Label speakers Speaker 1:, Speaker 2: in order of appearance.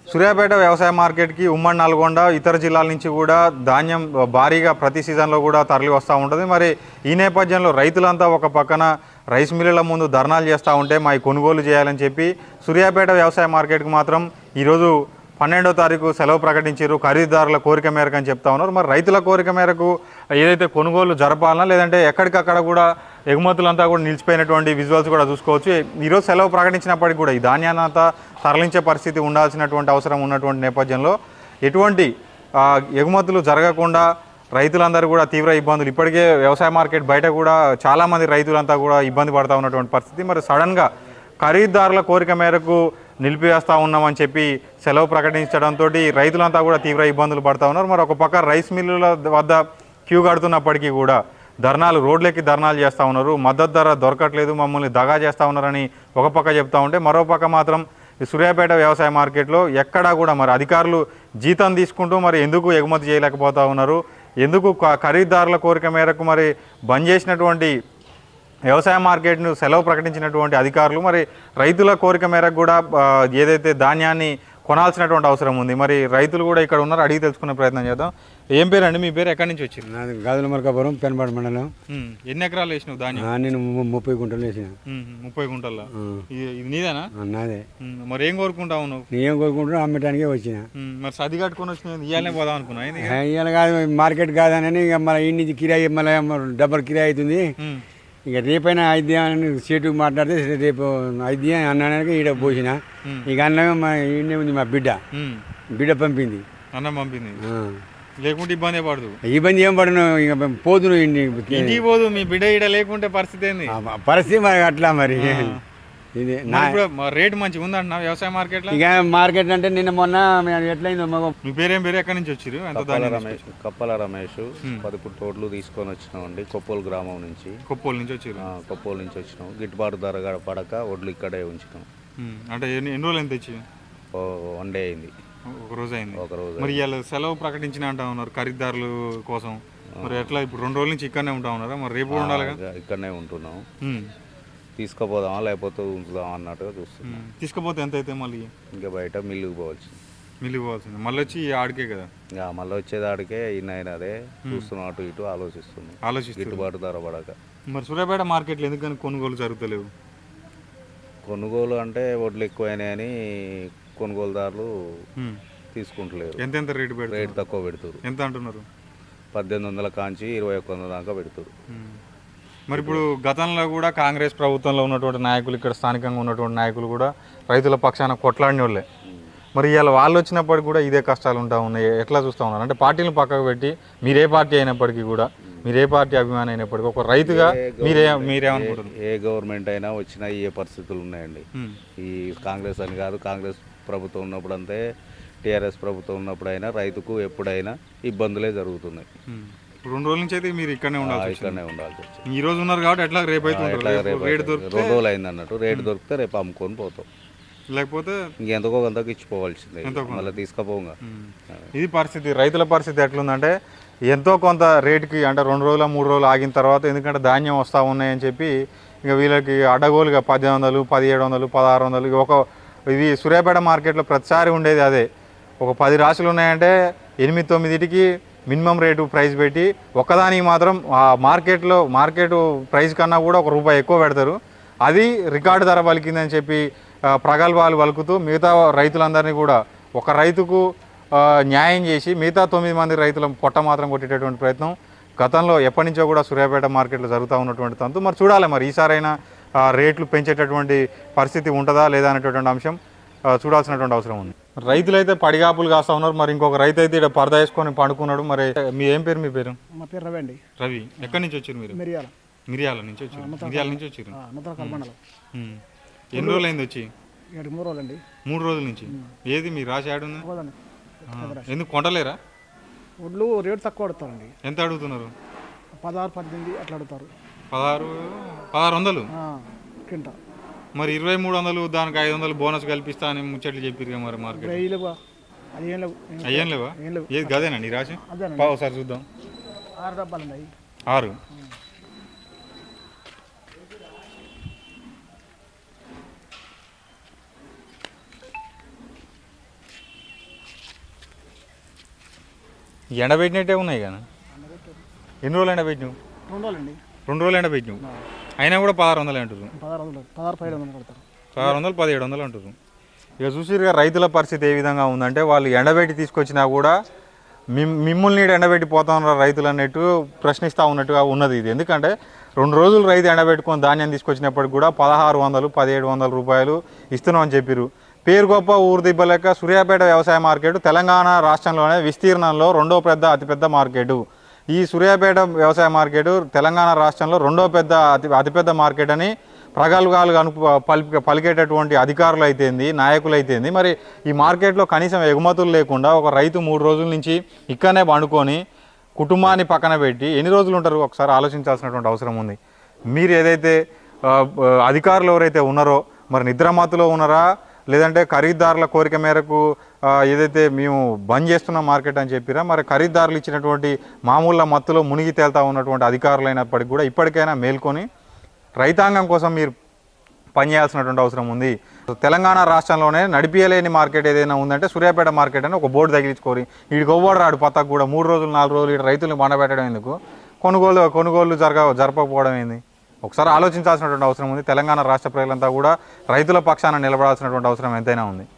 Speaker 1: సూర్యాపేట వ్యవసాయ మార్కెట్కి ఉమ్మడి నల్గొండ ఇతర జిల్లాల నుంచి కూడా ధాన్యం భారీగా ప్రతి సీజన్లో కూడా తరలి వస్తూ ఉంటుంది. మరి ఈ నేపథ్యంలో రైతులంతా ఒక పక్కన రైస్ మిల్లుల ముందు ధర్నాలు చేస్తూ ఉంటే మా కొనుగోలు చేయాలని చెప్పి సూర్యాపేట వ్యవసాయ మార్కెట్కి మాత్రం ఈరోజు 12వ తారీఖు సెలవు ప్రకటించారు. ఖరీదారుల కోరిక మేరకు అని చెప్తా ఉన్నారు. మరి రైతుల కోరిక మేరకు ఏదైతే కొనుగోలు జరపాలన్నా లేదంటే ఎక్కడికక్కడ కూడా ఎగుమతులంతా కూడా నిలిచిపోయినటువంటి విజువల్స్ కూడా చూసుకోవచ్చు. ఈరోజు సెలవు ప్రకటించినప్పటికీ కూడా ఈ ధాన్యాన్ని అంతా తరలించే పరిస్థితి ఉండాల్సినటువంటి అవసరం ఉన్నటువంటి నేపథ్యంలో ఎటువంటి ఎగుమతులు జరగకుండా రైతులందరూ కూడా తీవ్ర ఇబ్బందులు ఇప్పటికే వ్యవసాయ మార్కెట్ బయట కూడా చాలామంది రైతులంతా కూడా ఇబ్బంది పడుతూ ఉన్నటువంటి పరిస్థితి. మరి సడన్గా ఖరీదారుల కోరిక మేరకు నిలిపివేస్తూ ఉన్నామని చెప్పి సెలవు ప్రకటించడంతో రైతులంతా కూడా తీవ్ర ఇబ్బందులు పడుతూ ఉన్నారు. మరి ఒక పక్క రైస్ మిల్లుల వద్ద క్యూ కడుతున్నప్పటికీ కూడా రోడ్లెక్కి ధర్నాలు చేస్తూ ఉన్నారు. మద్దతు ధర దొరకట్లేదు, మమ్మల్ని దగా చేస్తూ ఉన్నారని ఒక పక్క చెప్తూ ఉంటే మరో పక్క మాత్రం సూర్యాపేట వ్యవసాయ మార్కెట్లో ఎక్కడా కూడా మరి అధికారులు జీతం తీసుకుంటూ మరి ఎందుకు ఎగుమతి చేయలేకపోతూ ఉన్నారు, ఎందుకు ఖరీదారుల కోరిక మేరకు మరి బంద్ చేసినటువంటి వ్యవసాయ మార్కెట్ను సెలవు ప్రకటించినటువంటి అధికారులు మరి రైతుల కోరిక మేరకు కూడా ఏదైతే ధాన్యాన్ని కొనాల్సినటువంటి అవసరం ఉంది. మరి రైతులు కూడా ఇక్కడ ఉన్నారు, అడిగి తెలుసుకునే ప్రయత్నం చేద్దాం. ఏం పేరు అండి మీ పేరు, ఎక్కడి నుంచి వచ్చింది?
Speaker 2: నాది గాజుల మరకాపురం పెనపాడు మండలం.
Speaker 1: ఎన్ని ఎకరాలు వేసినావు ధాన్యం?
Speaker 2: నేను 30 గుంటలు వేసిన.
Speaker 1: 30 గుంటల్లో ఇది నీదేనా?
Speaker 2: నాదే.
Speaker 1: మరి ఏం కోరుకుంటావు నువ్వు?
Speaker 2: నేనేం కోరుకుంటున్నా అమ్మటానికే వచ్చిన.
Speaker 1: మరి సది కట్టుకొని వచ్చిన ఇవ్వాలనే పోదాం అనుకున్నా.
Speaker 2: ఇవాళ కాదు, మార్కెట్ కాదని ఇక మళ్ళీ ఈ నుంచి కిరాయి మళ్ళీ డబ్బులు కిరాయి అవుతుంది. ఇక రేపైనా ఐదు అని సేటుకు మాట్లాడితే రేపు ఐదు అన్నానికి ఈడ పోసిన. ఇక అన్నమే ఈయనే ఉంది, మా బిడ్డ పంపింది.
Speaker 1: అన్నం పంపింది, లేకుంటే ఇబ్బంది పడదు.
Speaker 2: ఇబ్బంది ఏం పడను, ఇక పోదును
Speaker 1: ఇంటికి పోదు. మీ బిడ్డ ఈడ లేకుంటే పరిస్థితి ఏంది?
Speaker 2: పరిస్థితి మరి అట్లా మరి. ఇది
Speaker 1: రేట్ మంచిగా ఉందంటున్నా వ్యవసాయ మార్కెట్ లో.
Speaker 2: ఇక మార్కెట్ అంటే నిన్న మొన్న ఎట్లయిందో మగ.
Speaker 1: మీ పేరేం పేరు, ఎక్కడి నుంచి వచ్చారు?
Speaker 3: కప్పల రమేష్ 10 తోటలు తీసుకొని వచ్చినామండి. కొప్పోలు గ్రామం నుంచి.
Speaker 1: కొప్పోలు నుంచి వచ్చారు?
Speaker 3: కొప్పోలు నుంచి వచ్చినాం. గిట్టుబాటు ధర పడక వడ్లు ఇక్కడే ఉంచినాం.
Speaker 1: అంటే ఎన్ని రోజులు ఎంత తెచ్చి?
Speaker 3: 1 డే అయింది.
Speaker 1: ఒక రోజు అయింది.
Speaker 3: మరి
Speaker 1: ఇవాళ సెలవు ప్రకటించిన అంటా ఉన్నారు ఖరీదారుల కోసం. మరి ఎట్లా ఇప్పుడు 2 రోజుల నుంచి ఇక్కడనే ఉంటా ఉన్నారా? మరి రేపు ఉండాలి.
Speaker 3: ఇక్కడనే ఉంటున్నాం. తీసుకుపోదామా లేకపోతే ఉంచుదామా అన్నట్టుగా చూస్తున్నాం.
Speaker 1: తీసుకుపోతే ఎంత అయితే మళ్ళీ
Speaker 3: ఇంకా బయట మిల్లుకు
Speaker 1: పోవాల్సింది. మళ్ళీ వచ్చి ఆడికే కదా?
Speaker 3: మళ్ళీ వచ్చేది ఆడికే. ఈయన అదే చూస్తున్నాం, అటు ఇటు ఆలోచిస్తున్నాం. గిట్టుబాటు ధర పడక.
Speaker 1: మరి సూర్యాపేట మార్కెట్లో ఎందుకని కొనుగోలు జరుగుతలేవు?
Speaker 3: కొనుగోలు అంటే వడ్లు ఎక్కువైనాయని కొనుగోలుదారులు తీసుకుంటలేరు.
Speaker 1: ఎంత రేటు
Speaker 3: తక్కువ పెడుతురు.
Speaker 1: ఎంత అంటున్నారు?
Speaker 3: 1800 కాంచి 2100 దాకా పెడుతురు.
Speaker 1: మరి ఇప్పుడు గతంలో కూడా కాంగ్రెస్ ప్రభుత్వంలో ఉన్నటువంటి నాయకులు, ఇక్కడ స్థానికంగా ఉన్నటువంటి నాయకులు కూడా రైతుల పక్షాన కొట్లాడిన వాళ్ళే. మరి ఇవాళ వాళ్ళు వచ్చినప్పటికీ కూడా ఇదే కష్టాలు ఉంటా ఉన్నాయి. ఎట్లా చూస్తూ ఉన్నారు అంటే పార్టీలను పక్కకు పెట్టి మీరే పార్టీ అయినప్పటికీ కూడా, మీరే పార్టీ అభిమాని అయినప్పటికీ ఒక రైతుగా మీరేమనుకుంటున్నారు?
Speaker 3: ఏ గవర్నమెంట్ అయినా వచ్చినా ఏ పరిస్థితులు ఉన్నాయండి. ఈ కాంగ్రెస్ అని కాదు, కాంగ్రెస్ ప్రభుత్వం ఉన్నప్పుడు అంతే, టీఆర్ఎస్ ప్రభుత్వం ఉన్నప్పుడు అయినా రైతుకు ఎప్పుడైనా ఇబ్బందులే జరుగుతున్నాయి.
Speaker 1: 2 రోజుల నుంచి అయితే మీరు ఇక్కడనే ఉండాల్సి వచ్చింది. ఈ రోజు ఉన్నారు కాబట్టి ఎట్లా రేపు అయితే
Speaker 3: 2 రోజులు అయింది అన్నట్టు. రేటు దొరికితే రేపు అమ్ముకొని పోతాం,
Speaker 1: లేకపోతే
Speaker 3: ఇంకెంతకో అంతకు ఇచ్చిపోవాల్సిందే, మళ్ళీ తీసుకుపోగా.
Speaker 1: ఇది పరిస్థితి. రైతుల పరిస్థితి ఎట్లుందంటే ఎంతో కొంత రేటుకి అంటే 2 రోజులు 3 రోజులు ఆగిన తర్వాత, ఎందుకంటే ధాన్యం వస్తూ ఉన్నాయని చెప్పి ఇక వీళ్ళకి అడ్డగోలుగా 1800, 1700, 1600 ఇది సూర్యాపేట మార్కెట్లో ప్రతిసారి ఉండేది అదే. ఒక 10 రాశులు ఉన్నాయంటే 8-9కి మినిమం రేటు ప్రైస్ పెట్టి ఒక్కదానికి మాత్రం ఆ మార్కెట్ ప్రైస్ కన్నా కూడా ₹1 ఎక్కువ పెడతారు. అది రికార్డు ధర పలికిందని చెప్పి ప్రగల్భాలు పలుకుతూ మిగతా రైతులందరినీ కూడా ఒక రైతుకు న్యాయం చేసి మిగతా 9 మంది రైతుల పొట్ట మాత్రం కొట్టేటటువంటి ప్రయత్నం గతంలో ఎప్పటి నుంచో కూడా సూర్యాపేట మార్కెట్లో జరుగుతూ ఉన్నటువంటి తంతు. మరి చూడాలి, మరి ఈసారైనా రేట్లు పెంచేటటువంటి పరిస్థితి ఉంటుందా లేదా అనేటటువంటి అంశం చూడాల్సినటువంటి అవసరం ఉంది. రైతులైతే పడిగాపులు కాస్తా ఉన్నారు. మరి ఇంకొక రైతు అయితే ఇక్కడ పరదా వేసుకొని పండుకున్నాడు. మరి మీ ఏం పేరు? మీ పేరు?
Speaker 4: మా పేరు రవి అండి.
Speaker 1: రవి, ఎక్కడి నుంచి వచ్చారు మీరు? మిరియాల నుంచి వచ్చారు. ఎన్ని రోజులు అయింది వచ్చి?
Speaker 4: 3 రోజులు అండి.
Speaker 1: 3 రోజుల నుంచి. ఏది మీ రాసి ఆడు? ఎందుకు కొంటలేరా?
Speaker 4: వడ్లు రేటు తక్కువ అడుగుతారండి.
Speaker 1: ఎంత అడుగుతున్నారు?
Speaker 4: 16-18 అట్లా అడుగుతారు.
Speaker 1: 1600
Speaker 4: కింటా.
Speaker 1: మరి 2300 దానికి 500 బోనస్ కల్పిస్తా అని ముచ్చట్లు చెప్పారు. మరి మార్కెట్ అయ్యేం లేవా? ఏది గదేనండి రాసి? ఒకసారి చూద్దాం.
Speaker 4: 6 డబ్బాలు ఉన్నాయి.
Speaker 1: 6. ఎండబెట్టినట్టే ఉన్నాయి కానీ ఎన్ని రోజులు ఎండబెట్టినావు?
Speaker 4: 2 రోజులండి.
Speaker 1: 2 రోజులు ఎండబెట్టినావు, అయినా కూడా 1600 అంటారు.
Speaker 4: 1600 1700 కడతారు.
Speaker 1: 1600 1700 అంటారు. ఇక చూసిరుగా రైతుల పరిస్థితి ఏ విధంగా ఉందంటే వాళ్ళు ఎండబెట్టి తీసుకొచ్చినా కూడా మిమ్మల్ని ఎండబెట్టి పోతున్నారు రైతులు అన్నట్టు ప్రశ్నిస్తూ ఉన్నట్టుగా ఉన్నది ఇది. ఎందుకంటే 2 రోజులు రైతు ఎండబెట్టుకొని ధాన్యం తీసుకొచ్చినప్పటికి కూడా 1600 1700 రూపాయలు ఇస్తున్నాం అని చెప్పారు. పేరు గొప్ప ఊరు దిబ్బలేక సూర్యాపేట వ్యవసాయ మార్కెట్ తెలంగాణ రాష్ట్రంలోనే విస్తీర్ణంలో అతిపెద్ద మార్కెట్. ఈ సూర్యాపేట వ్యవసాయ మార్కెట్ తెలంగాణ రాష్ట్రంలో అతిపెద్ద మార్కెట్ అని ప్రగల్భాలుగా పలికేటటువంటి అధికారులు అయితేంది, నాయకులు అయితేంది. మరి ఈ మార్కెట్లో కనీసం ఎగుమతులు లేకుండా ఒక రైతు 3 రోజుల నుంచి ఇక్కడనే పండుకొని కుటుంబాన్ని పక్కన పెట్టి ఎన్ని రోజులు ఉంటారు ఒకసారి ఆలోచించాల్సినటువంటి అవసరం ఉంది. మీరు ఏదైతే అధికారులు ఎవరైతే ఉన్నారో మరి నిద్రమత్తులో ఉన్నారా, లేదంటే ఖరీదారుల కోరిక మేరకు ఏదైతే మేము బంద్ చేస్తున్నాం మార్కెట్ అని చెప్పిరా, మరి ఖరీదారులు ఇచ్చినటువంటి మామూలు మత్తులో మునిగి తేలుతా ఉన్నటువంటి అధికారులైనప్పటికీ కూడా ఇప్పటికైనా మేల్కొని రైతాంగం కోసం మీరు పనిచేయాల్సినటువంటి అవసరం ఉంది. తెలంగాణ రాష్ట్రంలోనే నడిపియలేని మార్కెట్ ఏదైనా ఉందంటే సూర్యాపేట మార్కెట్ అని ఒక బోర్డు తగిలించుకోరి. వీడికి ఒవ్వడు రాడు పక్కకు కూడా 3 రోజులు 4 రోజులు ఇటు రైతులను బండబెట్టడం ఎందుకు, కొనుగోలు జరపకపోవడం ఏంది? ఒకసారి ఆలోచించాల్సినటువంటి అవసరం ఉంది. తెలంగాణ రాష్ట్ర ప్రజలంతా కూడా రైతుల పక్షాన నిలబడాల్సినటువంటి అవసరం ఎంతైనా ఉంది.